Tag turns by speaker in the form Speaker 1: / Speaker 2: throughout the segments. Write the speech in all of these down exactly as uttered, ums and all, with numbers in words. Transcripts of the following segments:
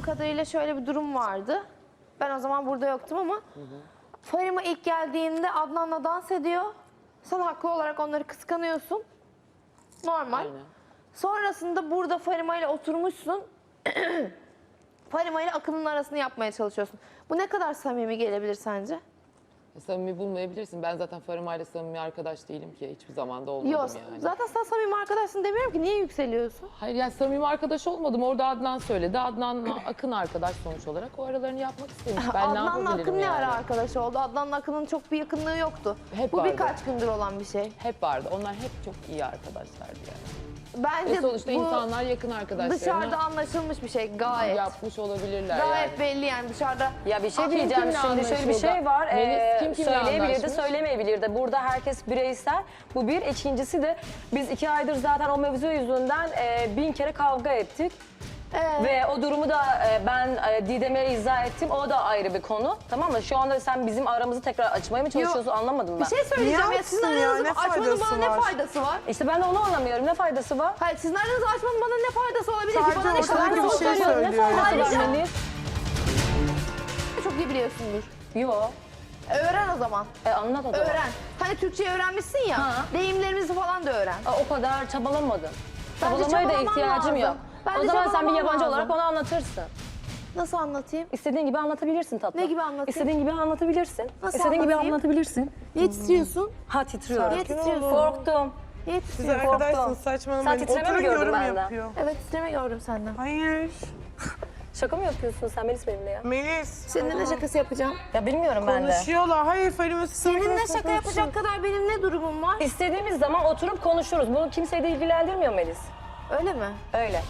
Speaker 1: Bildiğim kadarıyla şöyle bir durum vardı. Ben o zaman burada yoktum ama hı hı. Farima ilk geldiğinde Adnan'la dans ediyor. Sen haklı olarak onları kıskanıyorsun. Normal. Aynen. Sonrasında burada Farima ile oturmuşsun. Farima ile Akın'ın arasını yapmaya çalışıyorsun. Bu ne kadar samimi gelebilir sence?
Speaker 2: Samimi bulmayabilirsin. Ben zaten Farima ile samimi arkadaş değilim ki. Hiçbir zamanda olmadım
Speaker 1: Yok,
Speaker 2: yani.
Speaker 1: zaten sen samimi arkadaşsın demiyorum ki. Niye yükseliyorsun?
Speaker 2: Hayır yani samimi arkadaş olmadım. Orada Adnan söyledi. Adnan'la Akın arkadaş sonuç olarak. O aralarını yapmak istemiş. Ben
Speaker 1: Adnan'la
Speaker 2: ne yapabilirim
Speaker 1: Akın
Speaker 2: yani?
Speaker 1: ne ara arkadaş oldu? Adnan'la Akın'ın çok bir yakınlığı yoktu.
Speaker 2: Hep
Speaker 1: Bu
Speaker 2: vardı.
Speaker 1: birkaç gündür olan bir şey.
Speaker 2: Hep vardı. Onlar hep çok iyi arkadaşlardı yani.
Speaker 1: Bence
Speaker 2: Ve sonuçta
Speaker 1: bu
Speaker 2: insanlar yakın arkadaşlarına
Speaker 1: dışarıda anlaşılmış bir şey gayet.
Speaker 2: yapmış olabilirler
Speaker 1: Gayet
Speaker 2: yani.
Speaker 1: belli yani dışarıda.
Speaker 3: Ya bir şey
Speaker 1: Kim
Speaker 3: diyeceğim
Speaker 2: kimle
Speaker 3: şimdi şöyle bir
Speaker 2: anlaşıldı?
Speaker 3: şey var.
Speaker 2: Melis
Speaker 3: Ee,
Speaker 2: kim kimle
Speaker 3: söyleyebilir de
Speaker 2: anlaşmış?
Speaker 3: söylemeyebilir de. Burada herkes bireysel. Bu bir. İkincisi de biz iki aydır zaten o mevzu yüzünden e, bin kere kavga ettik.
Speaker 1: Ee,
Speaker 3: Ve o durumu da e, ben e, Didem'e izah ettim. O da ayrı bir konu. Tamam mı? Şu anda sen bizim aramızı tekrar açmaya mı çalışıyorsun anlamadım ben.
Speaker 1: bir şey söyleyeceğim
Speaker 4: Niye
Speaker 1: ya sizin
Speaker 4: açsın ya?
Speaker 1: aranızı
Speaker 4: Ne
Speaker 1: açmanın
Speaker 4: faydası
Speaker 1: bana ne
Speaker 4: var?
Speaker 1: faydası var?
Speaker 3: İşte ben de onu anlamıyorum. Ne faydası var?
Speaker 1: Hayır sizin aranızı açmanın bana ne faydası olabilir ki?
Speaker 4: Sadece
Speaker 1: Bana ne
Speaker 4: ortada
Speaker 1: faydası
Speaker 4: bir şey
Speaker 1: olabilir?
Speaker 4: söylüyor.
Speaker 3: Ne faydası
Speaker 1: Ayrıca-
Speaker 3: var Melis?
Speaker 1: Çok iyi biliyorsundur.
Speaker 3: Yo.
Speaker 1: Öğren o zaman.
Speaker 3: E, anlat o zaman.
Speaker 1: Öğren. Hani Türkçeyi öğrenmişsin ya.
Speaker 3: Ha.
Speaker 1: Deyimlerimizi falan da öğren.
Speaker 3: Aa, o kadar çabalamadım.
Speaker 1: Bence
Speaker 3: Çabalamaya da
Speaker 1: çabalaman
Speaker 3: ihtiyacım
Speaker 1: lazım.
Speaker 3: yok.
Speaker 1: Bence
Speaker 3: O zaman sen bir
Speaker 1: çabalaman
Speaker 3: yabancı
Speaker 1: lazım.
Speaker 3: olarak onu anlatırsın.
Speaker 1: Nasıl anlatayım?
Speaker 3: İstediğin gibi anlatabilirsin tatlım.
Speaker 1: Ne gibi anlatayım?
Speaker 3: İstediğin gibi anlatabilirsin.
Speaker 1: Nasıl
Speaker 3: İstediğin gibi
Speaker 1: anlatayım?
Speaker 3: anlatabilirsin.
Speaker 1: Niye titriyorsun?
Speaker 3: Ha titriyorum.
Speaker 1: Niye titriyorsun?
Speaker 3: Korktum.
Speaker 1: Niye
Speaker 4: Siz
Speaker 1: titriyorsun?
Speaker 4: arkadaşsınız
Speaker 3: Sen
Speaker 4: saçmalamayın.
Speaker 3: titreme mi
Speaker 4: Oturun
Speaker 3: gördün
Speaker 4: yorum
Speaker 3: benden?
Speaker 4: yapıyor.
Speaker 1: Evet titreme gördüm senden.
Speaker 4: Hayır.
Speaker 3: Şaka mı yapıyorsun sen Melis benimle ya?
Speaker 4: Melis.
Speaker 1: Seninle ne şakası yapacağım?
Speaker 3: Ya bilmiyorum ben de.
Speaker 4: Konuşuyorlar. Hayır Farima siz
Speaker 1: Seninle
Speaker 4: arkadaşsınız,
Speaker 1: şaka yapacak kadar benim ne durumum var?
Speaker 3: İstediğimiz zaman oturup konuşuruz. Bunu kimseyi de ilgilendirmiyor Melis.
Speaker 1: Öyle mi?
Speaker 3: Öyle.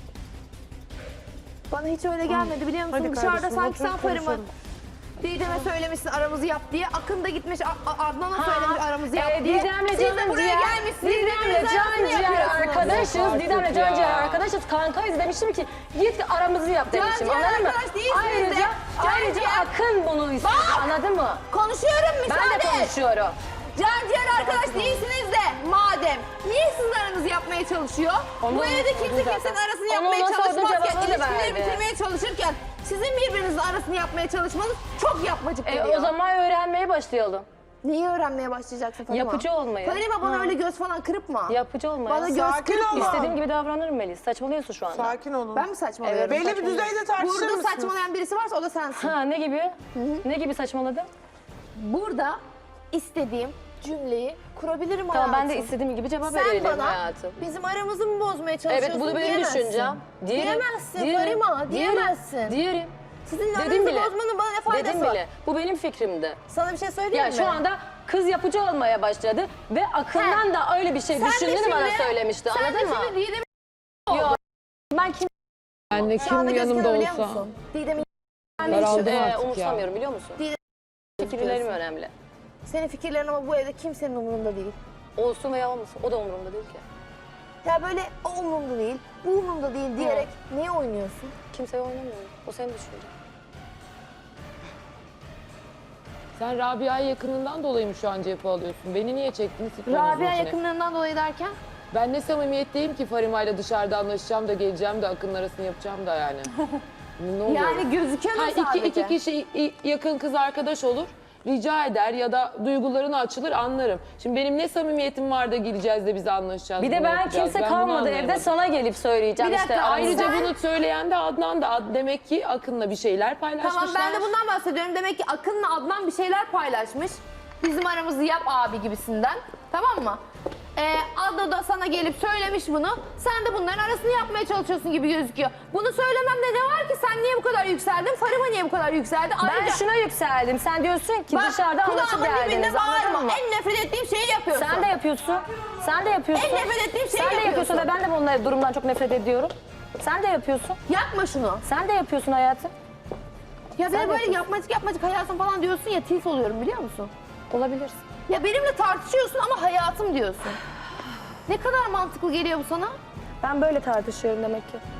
Speaker 1: Bana hiç öyle gelmedi biliyor musun?
Speaker 4: Hadi
Speaker 1: Dışarıda
Speaker 4: kardeşim,
Speaker 1: sanki sen
Speaker 4: oturup
Speaker 1: Farima
Speaker 4: konuşalım.
Speaker 1: Didem'e söylemişsin aramızı yap diye. Akın da gitmiş A- A- Adnan'a
Speaker 3: Ha,
Speaker 1: söylemiş aramızı yap
Speaker 3: e,
Speaker 1: diye.
Speaker 3: Didem'le
Speaker 1: Siz de
Speaker 3: Can
Speaker 1: buraya
Speaker 3: Ciğer,
Speaker 1: gelmişsiniz.
Speaker 3: Didem'le
Speaker 1: birbirinizin
Speaker 3: Can
Speaker 1: arasını
Speaker 3: Ciğer
Speaker 1: yapıyorsunuz.
Speaker 3: arkadaşız.
Speaker 2: Artık
Speaker 3: Didem'le Can
Speaker 2: ya.
Speaker 3: Ciğer arkadaşız. Kankayız demiştim ki git aramızı yap
Speaker 1: Can
Speaker 3: demiştim.
Speaker 1: Ciğer
Speaker 3: Anladın mı?
Speaker 1: arkadaş değilsiniz de.
Speaker 3: Ayrıca,
Speaker 1: Can
Speaker 3: ayrıca
Speaker 1: Ciğer-
Speaker 3: Akın bunu istiyor. Anladın mı?
Speaker 1: Konuşuyorum
Speaker 3: Ben
Speaker 1: müsaade
Speaker 3: de
Speaker 1: et.
Speaker 3: konuşuyorum.
Speaker 1: Can Ciğer arkadaş değilsiniz de madem. Niye sizin aranızı yapmaya çalışıyor?
Speaker 3: Onu-
Speaker 1: Bu evde kimse
Speaker 3: onu zaten-
Speaker 1: kimsenin arasını
Speaker 3: Onu
Speaker 1: yapmaya
Speaker 3: ona sordum,
Speaker 1: çalışmazken,
Speaker 3: cevabını da
Speaker 1: ilişkileri
Speaker 3: verdi.
Speaker 1: bitirmeye çalışırken sizin birbirinizin arasını yapmaya çalışmanız çok yapmacık
Speaker 3: E,
Speaker 1: geliyor.
Speaker 3: o zaman öğrenmeye başlayalım.
Speaker 1: Neyi öğrenmeye başlayacaksın Farima?
Speaker 3: Yapıcı olmayı.
Speaker 1: Farima bana öyle göz falan kırpma.
Speaker 3: Yapıcı olmayı.
Speaker 1: Bana göz
Speaker 4: Sakin
Speaker 1: kırpma.
Speaker 4: olun.
Speaker 3: İstediğim gibi davranırım Melis. Saçmalıyorsun şu anda.
Speaker 4: Sakin olun.
Speaker 1: Ben mi saçmalıyorum?
Speaker 3: Evet,
Speaker 4: Belli bir
Speaker 1: Saçmalıyorum.
Speaker 4: düzeyde tartışır
Speaker 1: Burada
Speaker 4: mısınız?
Speaker 1: saçmalayan birisi varsa o da sensin.
Speaker 3: Ha ne gibi? Ne gibi saçmaladım?
Speaker 1: Burada istediğim cümleyi kurabilirim
Speaker 3: Tamam
Speaker 1: hayatım.
Speaker 3: ben de istediğim gibi cevap
Speaker 1: Sen
Speaker 3: verelim
Speaker 1: bana
Speaker 3: hayatım.
Speaker 1: bizim aramızı mı bozmaya çalışıyorsun
Speaker 3: Evet bu da benim
Speaker 1: diyemezsin.
Speaker 3: düşüncem. Diyelim.
Speaker 1: Diyemezsin
Speaker 3: Diyelim.
Speaker 1: Farima,
Speaker 3: Diyelim.
Speaker 1: diyemezsin.
Speaker 3: Diyelim.
Speaker 1: Sizin
Speaker 3: Dedim
Speaker 1: aranızı
Speaker 3: bile.
Speaker 1: bozmanın bana ne faydası
Speaker 3: Dedim
Speaker 1: var?
Speaker 3: bile. Bu benim fikrimdi.
Speaker 1: Sana bir şey söyleyeyim
Speaker 3: Ya
Speaker 1: mi?
Speaker 3: şu anda kız yapıcı olmaya başladı ve Akın'dan da öyle bir şey
Speaker 1: Sen de
Speaker 3: düşündüğünü bana
Speaker 1: şimdi-
Speaker 3: söylemişti.
Speaker 1: Sen
Speaker 3: Anladın
Speaker 1: de
Speaker 3: mı?
Speaker 1: şimdi Didem'i
Speaker 3: Yok. Ben kim
Speaker 2: Ben de
Speaker 1: şu anda
Speaker 2: kim yanımda
Speaker 1: gözüküyor biliyor
Speaker 2: olsa.
Speaker 1: musun? Didem'i
Speaker 2: Daraldım
Speaker 3: e,
Speaker 2: artık ya.
Speaker 3: umursamıyorum biliyor musun?
Speaker 1: Değil.
Speaker 3: Fikirlerim önemli.
Speaker 1: senin fikirlerin ama bu evde kimsenin umurunda değil.
Speaker 3: Olsun veya olmasın. O da umurumda değil ki.
Speaker 1: Ya böyle o umurumda değil, bu umurumda değil diyerek niye oynuyorsun?
Speaker 3: Kimseye oynamıyorum. O senin düşüncen.
Speaker 2: Sen Rabia'ya yakınından dolayı mı şu an cephe alıyorsun? Beni niye çektiniz?
Speaker 1: Rabia yakınlığından dolayı derken?
Speaker 2: Ben ne samimiyetteyim ki Farima'yla dışarıda anlaşacağım da geleceğim de Akın'ın arasını yapacağım da yani. Ne oluyor?
Speaker 1: Yani gözüküyor
Speaker 2: Ha,
Speaker 1: mu
Speaker 2: iki,
Speaker 1: sadece?
Speaker 2: iki kişi i- yakın kız arkadaş olur. Rica eder ya da duygularını açılır anlarım. Şimdi benim ne samimiyetim var da geleceğiz de biz anlaşacağız.
Speaker 3: Bir de
Speaker 2: bunu
Speaker 3: ben
Speaker 2: yapacağız.
Speaker 3: kimse
Speaker 2: Ben bunu
Speaker 3: kalmadı evde
Speaker 2: anlayamadım.
Speaker 3: sana gelip söyleyeceğim
Speaker 1: Bir
Speaker 3: işte.
Speaker 1: dakika,
Speaker 3: ayrıca
Speaker 2: Ayrıca
Speaker 1: Sen-
Speaker 2: bunu söyleyen de Adnan da Ad- demek ki Akın'la bir şeyler paylaşmışlar.
Speaker 1: Tamam ben de bundan bahsediyorum. Demek ki Akın'la Adnan bir şeyler paylaşmış. Bizim aramızı yap abi gibisinden. Tamam mı? Ee, Adnan da sana gelip söylemiş bunu. Sen de bunların arasını yapmaya çalışıyorsun gibi gözüküyor. Bunu söylememde ne var ki? Sen niye bu kadar yükseldin? Farima niye bu kadar yükseldi?
Speaker 3: Ben şuna yükseldim. Sen diyorsun ki
Speaker 1: Bak,
Speaker 3: dışarıda anlaşıp
Speaker 1: kulağımın dibinde
Speaker 3: geldiniz. Anladın
Speaker 1: bağırma.
Speaker 3: mı?
Speaker 1: En nefret ettiğim şeyi yapıyorsun.
Speaker 3: Sen de yapıyorsun. Sen de yapıyorsun.
Speaker 1: En nefret ettiğim şeyi
Speaker 3: Sen de yapıyorsun
Speaker 1: yapıyorsun.
Speaker 3: ve ben de bunları durumdan çok nefret ediyorum. Sen de yapıyorsun.
Speaker 1: Yapma şunu.
Speaker 3: Sen de yapıyorsun hayatım.
Speaker 1: Ya
Speaker 3: Sen
Speaker 1: ben
Speaker 3: de
Speaker 1: böyle
Speaker 3: yapıyorsun.
Speaker 1: yapmacık yapmacık hayatım falan diyorsun ya tilt oluyorum biliyor musun?
Speaker 3: Olabilirsin.
Speaker 1: Ya benimle tartışıyorsun ama hayatım diyorsun. Ne kadar mantıklı geliyor bu sana?
Speaker 3: Ben böyle tartışıyorum demek ki.